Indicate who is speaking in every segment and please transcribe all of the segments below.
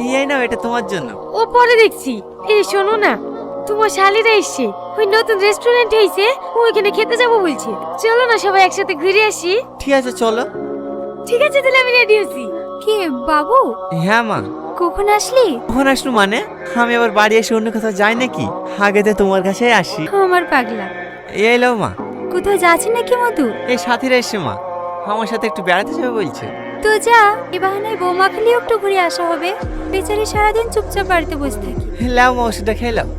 Speaker 1: এই নাও, এটা তোমার জন্য।
Speaker 2: ও পরে দেখছি। এই শোনো না, তোমার শালিরা এসছে, ওই নতুন রেস্টুরেন্ট হয়েছে, ওইখানে খেতে যাবো বলছে। চলো না সবাই একসাথে ঘুরে আসি।
Speaker 1: ঠিক আছে চলো।
Speaker 2: ঠিক আছে তাহলে আমি রেডি আছি। কে বাবু?
Speaker 1: হ্যাঁ মা।
Speaker 2: কখন আসলি?
Speaker 1: কখন আসলো মানে? আমি আবার বাড়ি এসে অন্য কোথাও যাই নাকি? আগে তো তোমার কাছেই আসি।
Speaker 2: আমার পাগলা।
Speaker 1: এই লো মা।
Speaker 2: কোথাও যাচ্ছি নাকি মধু?
Speaker 1: এই সাথীরা এসছে মা, আমার সাথে একটু বেড়াতে যাবে বলছে।
Speaker 2: তো যা, এ বাহানায় বৌমা খালিও একটু ঘুরে আসা হবে। বেচারি সারাদিন চুপচাপ বাড়িতে বসে থাকি।
Speaker 1: লাও মা, ওষুধটা খেয়ে লাও।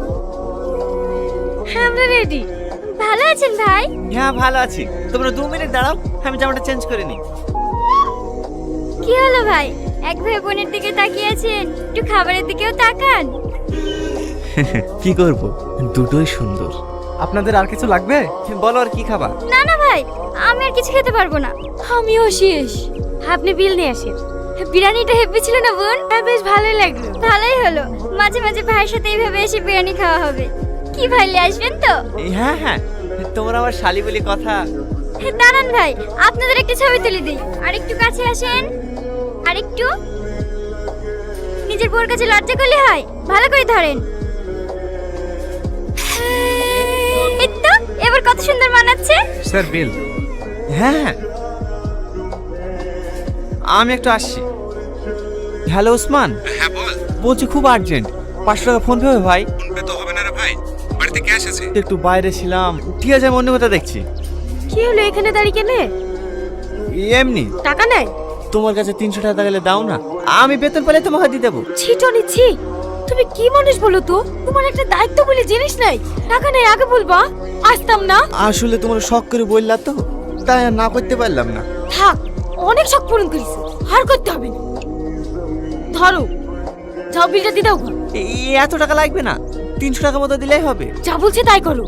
Speaker 2: হ্যাঁ আমরা রেডি। ভালো আছেন ভাই?
Speaker 1: হ্যাঁ ভালো আছি। তোমরা 2 মিনিট দাঁড়াও, আমি জামাটা চেঞ্জ করে নিই।
Speaker 2: কি হলো ভাই, এক ভাই বোনের দিকে তাকিয়ে আছেন, একটু খাবারের দিকেও তাকান।
Speaker 1: কি করব, দুটোই সুন্দর।
Speaker 3: আপনাদের আর কিছু লাগবে?
Speaker 1: বলো আর কি খাবা?
Speaker 2: না না ভাই, আমি আর কিছু খেতে পারবো না, আমিও শেষ। আপনি বিল নিয়ে আসেন। বিরিয়ানিটা হেভি ছিল না বোন? হ্যাঁ বেশ ভালোই লাগলো। ভালোই হলো, মাঝে মাঝে ভাইয়ের সাথে এইভাবে এসে বিরিয়ানি খাওয়া হবে। কি ভাই নিয়ে আসবেন তো?
Speaker 1: হ্যাঁ হ্যাঁ, তোমরা আমার শালি বলি কথা।
Speaker 2: দাঁড়ান ভাই, আপনাদের একটা ছবি তুলে দিই। আর একটু কাছে আসেন, আর একটু। নিজের বউর কাছে লজ্জা করলে হয়, ভালো করে ধরেন। এই তো, এবার কত সুন্দর মানাচ্ছে।
Speaker 3: Sir bill.
Speaker 1: হ্যাঁ হ্যাঁ, আমি একটু আসছি। হ্যালো ওসমান।
Speaker 3: হ্যাঁ বল।
Speaker 1: বলছি খুব আর্জেন্ট, 500 টাকা ফোন পে হবে ভাই?
Speaker 3: ফোনপে তো হবে না রে ভাই, বাড়িতে ক্যাশ আছে।
Speaker 1: একটু বাইরে ছিলাম। ঠিক আছে, আমি অন্য কথা দেখছি।
Speaker 2: কি হলো এখানে দাঁড়িয়ে কেনে?
Speaker 1: এমনি।
Speaker 2: টাকা নাই?
Speaker 1: তোমার কাছে 300 টাকা গেলে দাও না, আমি বেতন পেলে তোমাকে দিয়ে দেবো।
Speaker 2: ছিটনি ছি, তুমি কি মানুষ বলো তো? তোমার একটা দায়িত্ব বলে জিনিস নাই। টাকা নাই আগে বলবা, আসতাম না।
Speaker 1: আসলে তোমার শখ করে বললা তো, তাই আর না করতে পারলাম না।
Speaker 2: থাক, অনেক শখ পূরণ করিস, আর করতে হবে না। ধরো, যাও বিলটা দিয়ে দাও।
Speaker 1: এত টাকা লাগবে না, 300 টাকা মতো দিলেই হবে।
Speaker 2: যা বলছে তাই করো।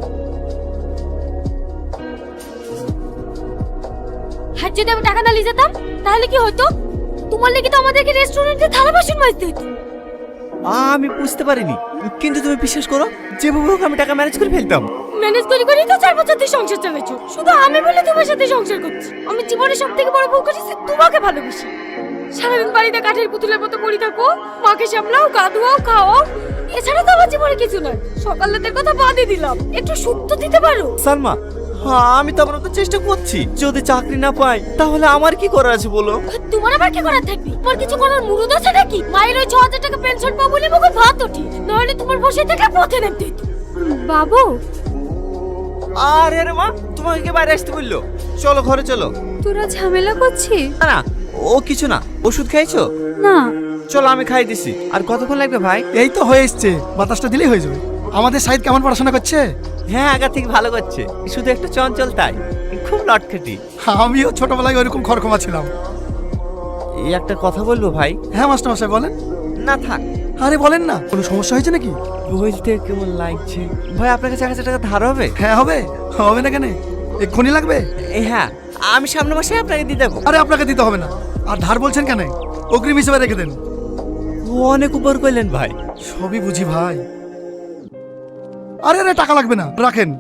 Speaker 2: হ্যাঁ, যদি আমি টাকা না নিয়ে যেতাম তাহলে কি হতো? তোমার লেগে তো আমাদেরকে রেস্টুরেন্টে থালা বাসন মাজতে হতো।
Speaker 1: আমি বুঝতে পারিনি, কিন্তু তুমি বিশ্বাস করো, যেভাবে হোক আমি টাকা ম্যানেজ করে ফেলতাম।
Speaker 2: ম্যানেজ করি করি তো 4 বছর ধরে সংসার চালাচ্ছো। শুধু আমি বলে তোমার সাথে সংসার করছি। আমি জীবনে সব থেকে বড় ভুল করেছি, তোমাকে ভালোবাসি। সারাদিন বাড়িতে কাঠের পুতুলের মতো পড়ে থাকো, মাকে সামলাও, গা ধোয়াও, খাওয়াও, এছাড়া তো আমার জীবনে কিছু নাই। সকাল রাতের কথা বাদই দিলাম, একটু সুখ তো দিতে পারো।
Speaker 1: সালমা, হ্যাঁ আমি তো আপনার তো চেষ্টা করছি। যদি চাকরি না পাই তাহলে আমার কি করার আছে বলো?
Speaker 2: তোমার আবার কি করার থাকবে? তোমার কিছু করার মুরুদ আছে নাকি? মায়ের ওই 6000 টাকা পেনশন পাবো বলে মুখে ভাত ওঠে, নাহলে তোমার বসে থাকলে পথে নামতে হতো। বাবু,
Speaker 1: আরে রে মা, তোমাকে কে বাইরে আসতে বললো? চলো ঘরে চলো।
Speaker 2: তোরা ঝামেলা করছিস?
Speaker 1: না না, ও কিছু না। ওষুধ খাইছো?
Speaker 2: না।
Speaker 1: চলো আমি খাই দিছি। আর কতক্ষণ লাগবে ভাই?
Speaker 3: এই তো হয়ে এসছে, বাতাসটা দিলেই হয়ে যাবে। আমাদের সাইদ কেমন পড়াশোনা করছে?
Speaker 1: হ্যাঁ আগা থেকে ভালো করছে, শুধু একটু চঞ্চল তাই, খুব লটখেটি।
Speaker 3: আমিও ছোটবেলায় ওইরকম খড়খমা ছিলাম।
Speaker 1: এই একটা কথা বলবো ভাই?
Speaker 3: হ্যাঁ মাস্টার মশাই বলেন।
Speaker 1: না থাক।
Speaker 3: আরে বলেন না, কোনো সমস্যা হয়েছে নাকি?
Speaker 1: বলতে কেমন লাগছে ভাই, আপনার কাছে 1000 টাকা ধার হবে?
Speaker 3: হ্যাঁ হবে। হবে না কেন, এক্ষুনি লাগবে?
Speaker 1: হ্যাঁ, আমি সামনের মাসে আপনাকে দিয়ে দেবো।
Speaker 3: আরে আপনাকে দিতে হবে না। আর ধার বলছেন কেন? অগ্রিম হিসেবে রেখে দেন।
Speaker 1: ও অনেক উপর করলেন ভাই।
Speaker 3: সবই বুঝি ভাই। আরে আরে টাকা লাগবে না, রাখেন।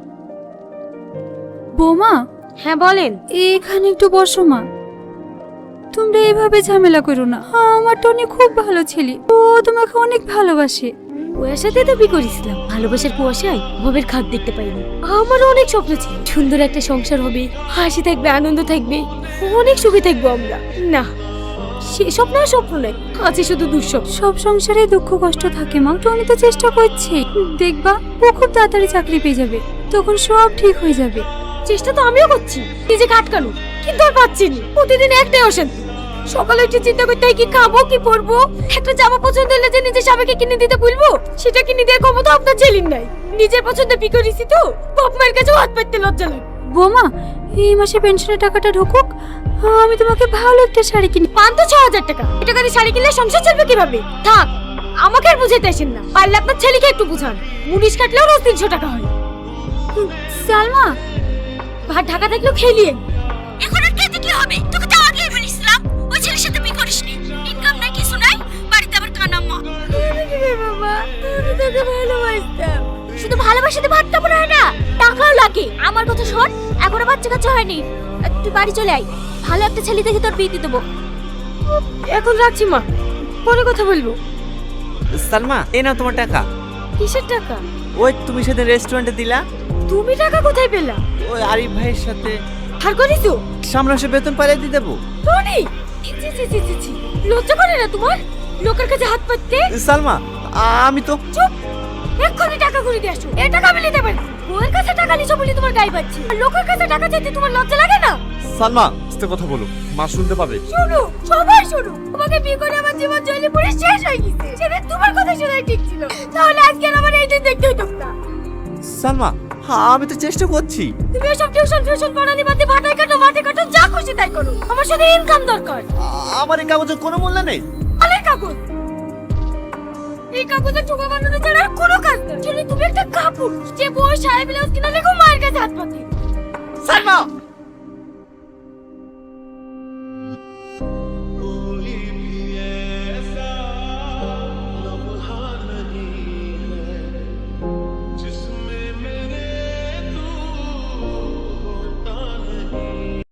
Speaker 2: বৌমা। হ্যাঁ বলেন। এখানে একটু বসো মা। তোমরা এইভাবে ঝামেলা করো না, আমার টনি খুব ভালো ছেলে, ও তোমাকে অনেক ভালোবাসে। ওর সাথে তো বিয়ে করেছিলাম, ভালোবাসার কুয়াশায় ভবের খাদ দেখতে পাইনি। আমারও অনেক স্বপ্ন ছিল, সুন্দর একটা সংসার হবে, হাসি থাকবে, আনন্দ থাকবে, অনেক সুখে থাকবো আমরা। না, সে স্বপ্ন আর স্বপ্ন নয়, আছে শুধু দুঃস্বপ্ন। সব সংসারে দুঃখ কষ্ট থাকে মা, টনি তো চেষ্টা করছে, দেখবা ও খুব তাড়াতাড়ি চাকরি পেয়ে যাবে, তখন সব ঠিক হয়ে যাবে। চেষ্টা তো আমিও করছি, নিজেকে আটকানো, কিন্তু আর পাচ্ছি না। প্রতিদিন একটাই অশান্তি, সকালে উঠে চিন্তা করতে হয় কি খাবো কি পরবো। একটা জামা পছন্দ হলে যে নিজের স্বামীকে কিনে দিতে বলবো, সেটা কিনে দেওয়ার ক্ষমতা আপনার ছেলের নাই। নিজের পছন্দে বিয়ে করেছি তো, বাপ মায়ের কাছে হাত পাততে লজ্জা লাগে। বৌমা, এই মাসে পেনশনের টাকাটা ঢুকুক, আমি তোমাকে ভালো একটা শাড়ি কিনে। পান তো 6000 টাকা, এটা করে শাড়ি কিনলে সংসার চলবে কিভাবে? থাক, আমাকে আর বুঝাইতে আসেন না, পারলে আপনার ছেলেকে একটু বুঝান। মুনিশ কাটলেও রোজ 300 টাকা হয়। সালমা, ভাত ঢাকা থাকলেও খেলিয়েন। এখন আর খেতে কি হবে? তোকে তো আগেই বলেছিলাম ওই ছেলের সাথে বিয়ে করিসনি। ইনকাম নাই, কিছু নাই, বাড়িতে আবার কানা মা। বাবা, আমি তোকে ভালোবাসতাম। শুধু ভালোবাসাতে ভাতটা পড়ে হয় না, টাকাও লাগে। আমার কথা শোন, এখনো বাচ্চা কাচ্চা হয়নি, তুই বাড়ি চলে আয়, ভালো একটা ছেলে দেখে তোর বিয়ে দিয়ে দেবো। এখন রাখছি মা, পরে কথা বলবো।
Speaker 1: সালমা, এই নাও তোমার টাকা।
Speaker 2: কিসের টাকা?
Speaker 1: ওই তুমি সেদিন রেস্টুরেন্টে দিলা,
Speaker 2: তুমি টাকা কোথায় পেলা?
Speaker 1: ওই আরিফ ভাইয়ের সাথে।
Speaker 2: হার করিছো?
Speaker 1: সামনে মাসে বেতন পাইয়ে দিয়ে দেবো।
Speaker 2: টনি, ছি ছি ছি ছি ছি, লজ্জা করে না তোমার লোকের কাছে হাত পাততে?
Speaker 1: সালমা, আমি তো।
Speaker 2: চুপ, এক্ষুনি টাকা করে দিয়ে আসো। এই টাকা আমি নিতে পারি। বউয়ের কাছে টাকা নিছো বলে তোমার গায়ে বাজছে, আর লোকের কাছে টাকা চাইতে তোমার লজ্জা লাগে না?
Speaker 1: সালমা, আস্তে কথা বলো, মা শুনতে পাবে।
Speaker 2: শোনো, সবাই শোনো, তোমাকে বিয়ে করে আমার জীবন জলে পড়ে শেষ হয়ে গেছে। সেটা তোমার কথা শোনাই ঠিক ছিল, তাহলে আজকে আর আমার এই দিন দেখতে হতো না।
Speaker 1: সালমা, আমি তো চেষ্টা করছি।
Speaker 2: তুমি এসব টিউশন পড়ানি বাদে ভাটাই কাটো মাঠে কাটো, যা খুশি তাই করো। আমার সাথে ইনকাম দরকার।
Speaker 1: আমার এই কাগজের কোনো মূল্য নেই।
Speaker 2: আরে কাগজ, এই কাগজের ঠোকা বানানো ছাড়া আর কোনো কাজ নেই। যদি তুমি একটা কাপড় যে বউ সাহেব ব্লাউজ কিনা লেখো মায়ের কাছে হাত পাতে।
Speaker 1: সালমা,